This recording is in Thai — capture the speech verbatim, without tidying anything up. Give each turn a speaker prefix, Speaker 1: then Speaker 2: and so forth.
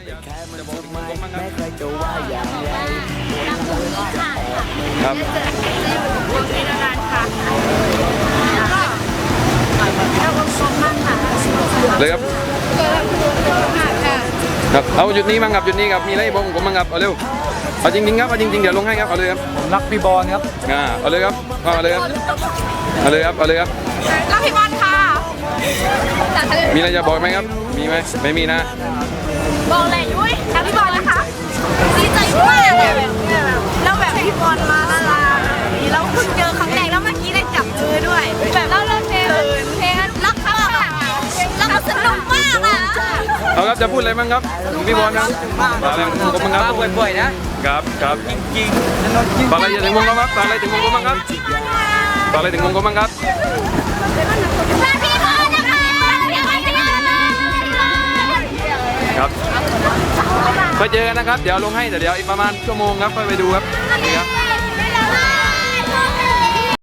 Speaker 1: จะบอกถึงผมบ้างครับครับ
Speaker 2: จะอยู่วงนี้นานๆค่ะแล้วก็เจ้าวงกลมมั่งค่ะ
Speaker 1: เลยครับ
Speaker 2: ค่ะ
Speaker 1: ครับเอาจุดนี้มั้งครับจุดนี้ครับมีอะไรบอกผมมั้งครับเอาเร็วเอาจริงๆครับเอาจริงๆเดี๋ยวลงให้ครับเอาเลยครับ
Speaker 3: ผมรักพี่บอลครับ
Speaker 1: อ่าเอาเลยครับเอาเลยครับเอาเลยครับเอาเลยครับ
Speaker 2: แล้วพี่บอลค่ะ
Speaker 1: มีอะไรจะบอกไหมครับมีไหมไม่มีนะ
Speaker 2: บอกเลยยุ้ยแล้วพี่บอลนะคะดีใจมากเลยแบบแล้วแบบพี่บอลมาละลาแล้วเพิ่งเจอครั้งแรกแล้วเมื่อกี้ได้จับมือด้วยแบบแล้วเราเพลงเพลงรักเขาค่ะรักเขาสนุกมากอ่ะ
Speaker 1: เอาครับจะพูดอะไรบ้างครับพี่บอลครับฝากอะไรถึงผมบ้างครับ
Speaker 3: บ่อยๆนะครับ
Speaker 1: ครับ
Speaker 3: จริงๆ
Speaker 1: ฝากอะไรถึงวงกลมครับฝากอะไรถึงวงกลมบ้างครับฝากอะไรถึงวงกลมบ้างครับ
Speaker 2: รักพี่บอลนะคะพี่บอลพี่บอล
Speaker 1: ครับไปเจอกันนะครับเดี๋ยวลงให้แต่เดี๋ยวอีกประมาณชั่วโมงครับค่อยไปดูครับนี่ครับ